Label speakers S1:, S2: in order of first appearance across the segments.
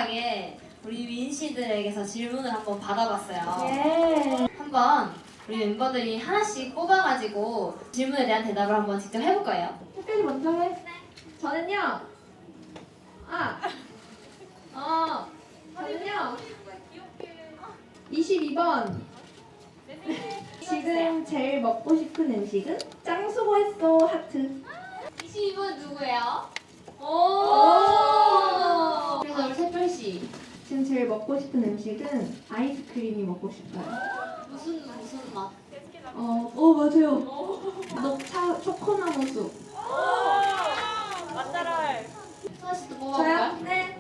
S1: 마지막에 우리 윈씨들에게서 질문을 한번 받아봤어요.
S2: 예.
S1: 한번 우리 멤버들이 하나씩 뽑아가지고 질문에 대한 대답을 한번 직접 해볼 거예요.
S2: 햇빛이 먼저 해.
S3: 저는요. 저는요. 22번. 지금 제일 먹고 싶은 음식은 짱 수고했어 하트.
S1: 22번 누구예요?
S3: 오.
S1: 그래서 우리 새별씨
S3: 지금 제일 먹고 싶은 음식은 아이스크림이 먹고 싶어요.
S1: 무슨 맛?
S3: 맞아요. 녹차 초코나무수.
S1: 하나씩 또 뽑아볼까요?
S3: 네.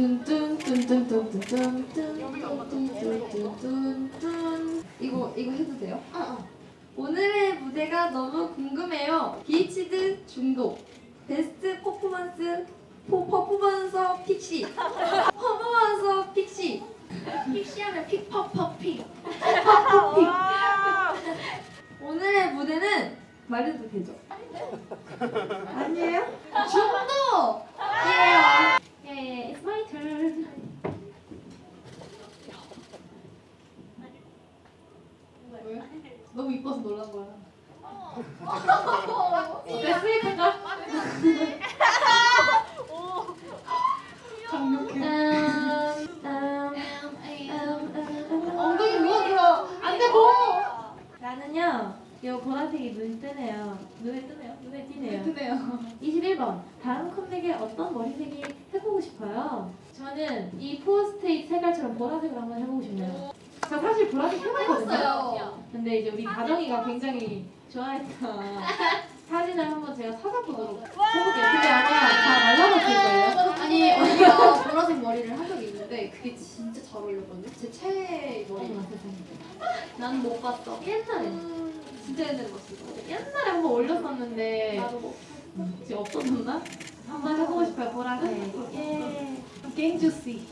S3: 뚠뚠뚠뚠뚠뚠뚠뚠뚠뚠뚠. 이거 해도 돼요? 오늘의 무대가 너무 궁금해요. 비치드 중독. 베스트 퍼포먼스 픽시. 퍼포먼서 픽시. 픽시하면 픽퍼퍼픽. 픽퍼퍼픽. 오늘의 무대는 말해도 되죠? 아니에요? 중독! 예, it's my turn. 왜? 너무 이뻐서 놀란 거야. 됐으니까. 엉덩이 누워들어. 안 돼, 뭐!
S2: 나는요. 요 보라색이 눈에 뜨네요. 눈에 띄네요.
S3: 드네요.
S2: 21번. 다음 컴백에 어떤 머리색이 해보고 싶어요? 저는 이 포스트잇 색깔처럼 보라색을 한번 해보고 싶네요. 저 사실 보라색 해봤거든요.
S1: 해봤어요.
S2: 근데 이제 우리 다정이가 굉장히 좋아했던 사진을 한번 제가 찾아보도록 해볼게요. 근데 아마 다 말라봤을 거예요.
S3: 아니, 언니가 보라색 머리를 한 적이 있는데 그게 진짜 잘 어울렸거든요. 제 최애 머리.
S2: 난 못 봤어. 옛날에.
S3: 진짜 옛날에 봤어.
S2: 옛날에 한번 올렸었는데
S3: 나도 뭐.
S2: 혹시 없어졌나? 한번 해보고 싶어요. 보라색. 예.
S3: 갱주씨.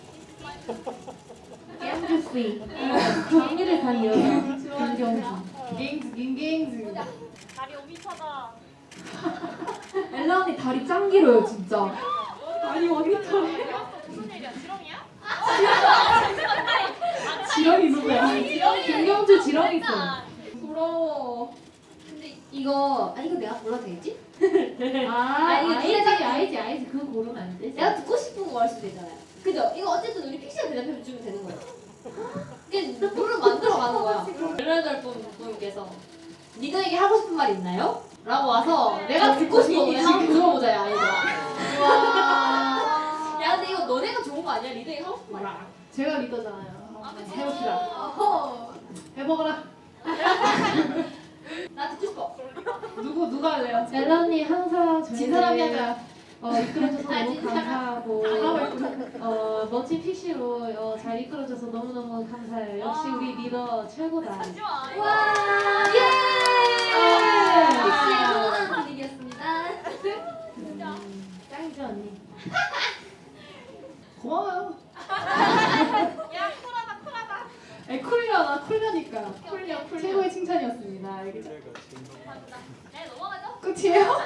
S2: 갱주씨. 경리를 간 여자. 김경수.
S3: 갱주.
S4: 다리 5m다.
S3: 엘라 언니 다리 짱 길어요, 진짜.
S2: 아니 언니 털.
S4: 무슨 일이야? 지렁이야?
S2: 지렁이 누구야? 김경주 지렁이 있어.
S3: 부러워.
S1: 근데 이거 내가 골라도 되겠지?
S2: 아
S1: 이거
S2: 알지. 그거 고르면 안 되지.
S1: 내가 듣고 싶은 거 할 수도 있잖아요. 그죠? 이거 어쨌든 우리 픽시가 대답해주면 되는 거예요. 이게 룰을 만들어가는 거야. 18분께서 니들에게 하고 싶은 말 있나요? 라고 와서 내가 듣고 싶은 거 한번 들어보자, 야, 얘들아. 와. 야, 근데 이거 너네가 좋은 거 아니야? 니들에게 하고 싶은 말.
S3: 제가 리더잖아요.
S1: 해봅시다.
S3: 해먹어라.
S1: 나 듣고 싶어.
S3: 누가 할래요?
S2: 엘라 언니 항상
S3: 진 사람이 하자.
S2: 이끌어줘서
S1: 아,
S2: 너무
S1: 진짜.
S2: 감사하고
S3: 아,
S2: 멋진 픽시로 잘 이끌어줘서 너무너무 감사해요. 역시 우리 리더 최고다.
S4: 하지 마.
S1: 와.
S2: 예!
S1: 픽시의 훈훈한 분위기였습니다.
S2: 짱이죠 언니.
S3: 고마워요.
S4: 야, 쿨하다.
S3: 쿨려나 쿨려니까.
S4: 쿨려.
S3: 최고의 칭찬이었습니다. 알겠죠?
S4: 감사합니다. 네, 넘어가죠.
S3: 끝이에요?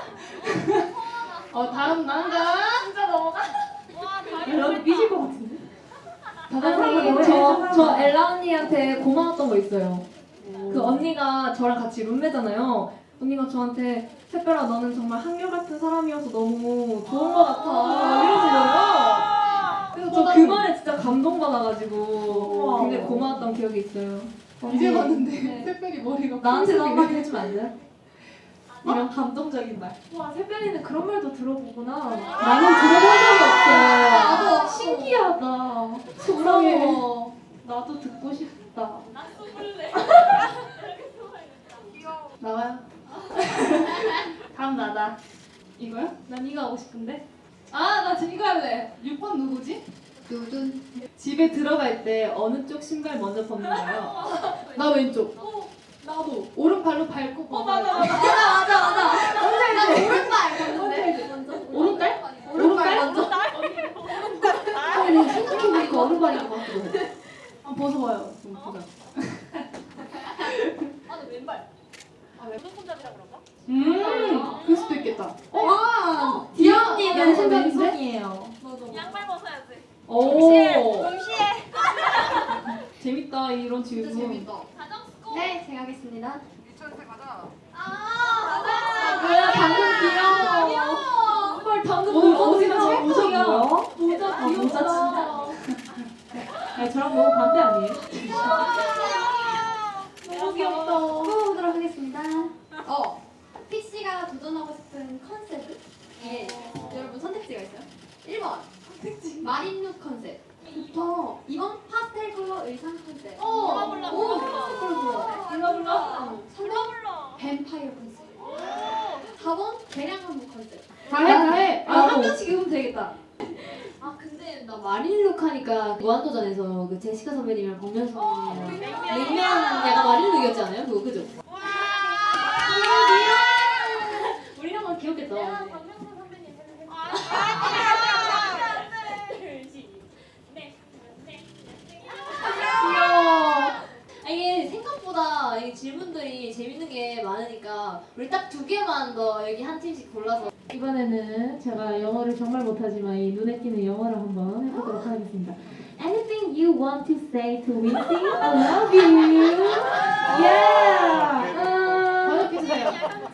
S3: 다음 난가?
S4: 진짜 넘어가? 와, 다리
S2: 엘라 언니 삐질 것 같은데?
S3: 다다사님
S5: 저 엘라 언니한테 고마웠던 거 있어요. 그 언니가 저랑 같이 룸메잖아요. 언니가 저한테 새별아 너는 정말 한결같은 사람이어서 너무 좋은 거 같아 이러시더라고요. 그래서 저 그 말에 진짜 감동받아가지고 굉장히 고마웠던 기억이 있어요.
S3: 이제
S5: 언니,
S3: 봤는데 특별히 머리가
S5: 나한테도 한마디 해주면 안 돼요? 이런 감동적인 말.
S2: 와 새별이는 그런 말도 들어보구나.
S5: 나는 들어본 적이 없어요.
S2: 나도 신기하다. 부러워. 나도 듣고 싶다.
S4: 나 쏘볼래. 귀여워.
S3: 나와요?
S2: 다음 나다.
S3: 이거요?
S2: 난 이거 하고 싶은데.
S3: 나 지금 이거 할래. 6번 누구지?
S1: 두둔.
S5: 집에 들어갈 때 어느 쪽 신발 먼저 벗는가요?
S3: 나 왼쪽. 나도 오른발로 밟고
S4: 맞아.
S1: 나 오른발 봤는데.
S3: 오른발?
S1: 오른발 먼저. 생각해보니까 오른발인 것 같기도 해.
S3: 벗어봐요. 좀 보자.
S4: 아, 나 왼발. 왼손 손잡이라 그런가?
S3: 그럴 수도 있겠다.
S5: 디언니는
S2: 왼손인데?
S5: 왼손이에요.
S4: 양발 벗어야지.
S5: 오.
S2: 재밌다 이런
S3: 진짜
S2: 질문.
S3: 재밌다.
S4: 가정 스코.
S3: 네, 제가 하겠습니다.
S2: 뭐야 방금 귀여워. 헐 방금
S5: 오늘
S2: 모자
S5: 어디서
S2: 진짜
S5: 모자
S2: 찰떡이야.
S5: 뭐야?
S2: 모자
S5: 아,
S2: 귀엽다.
S5: 모자
S2: 아니 저랑 너무 반대 아니에요?
S3: 너무 귀엽다. 뽑아보도록 하겠습니다. PC가 도전하고 싶은 컨셉은? 이게 여러분 선택지가 있어요. 1번 마린룩 컨셉. 좋다. 2번 파스텔 컬러 의상 컨셉.
S4: 몰라, 몰라, 몰라.
S3: 파스텔 컬러 좋아.
S2: 몰라 몰라.
S3: 3번 뱀파이어 컨셉. 4번 개량한복 컨셉.
S2: 다해.
S3: 한 명씩 입으면 되겠다.
S1: 아 근데 나 마린룩 하니까 무한도전에서 그 제시카 선배님이랑 박명수 선배님이랑 냉면 약간 마린룩이었지 않아요? 그거 그죠? 우리랑 건 귀엽겠다.
S4: 박명수 선배님 해주세요.
S1: 아, 이게 생각보다 이 질문들이 재밌는 게 많으니까 우리 딱 두 개만 더 여기 한 팀씩 골라서
S2: 이번에는 제가 영어를 정말 못하지만 이 눈에 띄는 영어를 한번 해보도록 하겠습니다. Anything you want to say to Wincy? I love you. Yeah.
S3: 번역해주세요.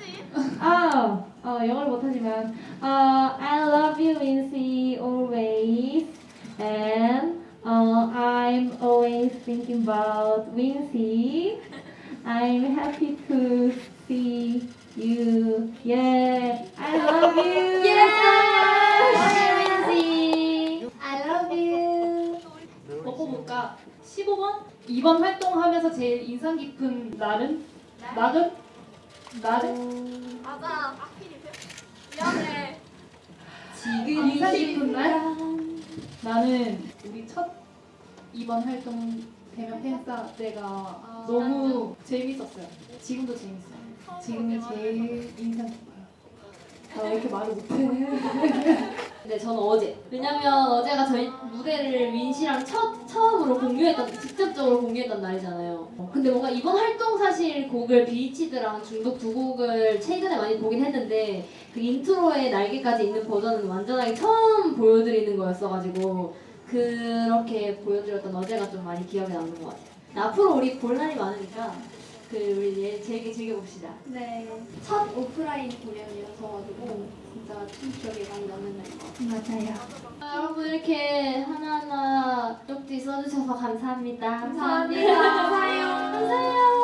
S2: 영어를 못하지만 I love you, Wincy, always. And I'm always thinking about Wincy. I'm happy to see you. Yeah, I love you.
S1: I love you.
S2: 먹어볼까? 15번? 이번 활동하면서 제일 인상 깊은 날은? 낙은? 날은?
S4: 맞아. 악필이세요? 미안해.
S1: 지금
S2: 인상 깊은 날? 나는 우리 첫 이번 활동 대면 팬싸 때가 너무 재밌었어요. 지금도 재밌어요. 지금이 제일 인상 깊어요. 나 왜 이렇게 말을 못해?
S1: 네, 저는 어제. 왜냐면 어제가 저희 무대를 민 씨랑 처음으로 공유했던, 직접적으로 공유했던 날이잖아요. 근데 뭔가 이번 활동 사실 곡을 비치드랑 중독 두 곡을 최근에 많이 보긴 했는데 그 인트로에 날개까지 있는 버전은 완전하게 처음 보여드리는 거였어가지고 그렇게 보여드렸던 어제가 좀 많이 기억에 남는 것 같아요. 앞으로 우리 볼 날이 많으니까 우리 즐겨봅시다.
S3: 네. 첫 오프라인 공연이어서가지고 진짜 참 기억에 많이 남는 날인 것 같아요.
S2: 맞아요.
S1: 여러분 이렇게 하나하나 쪽지 써주셔서 감사합니다.
S3: 감사합니다. 감사해요.
S1: 감사해요.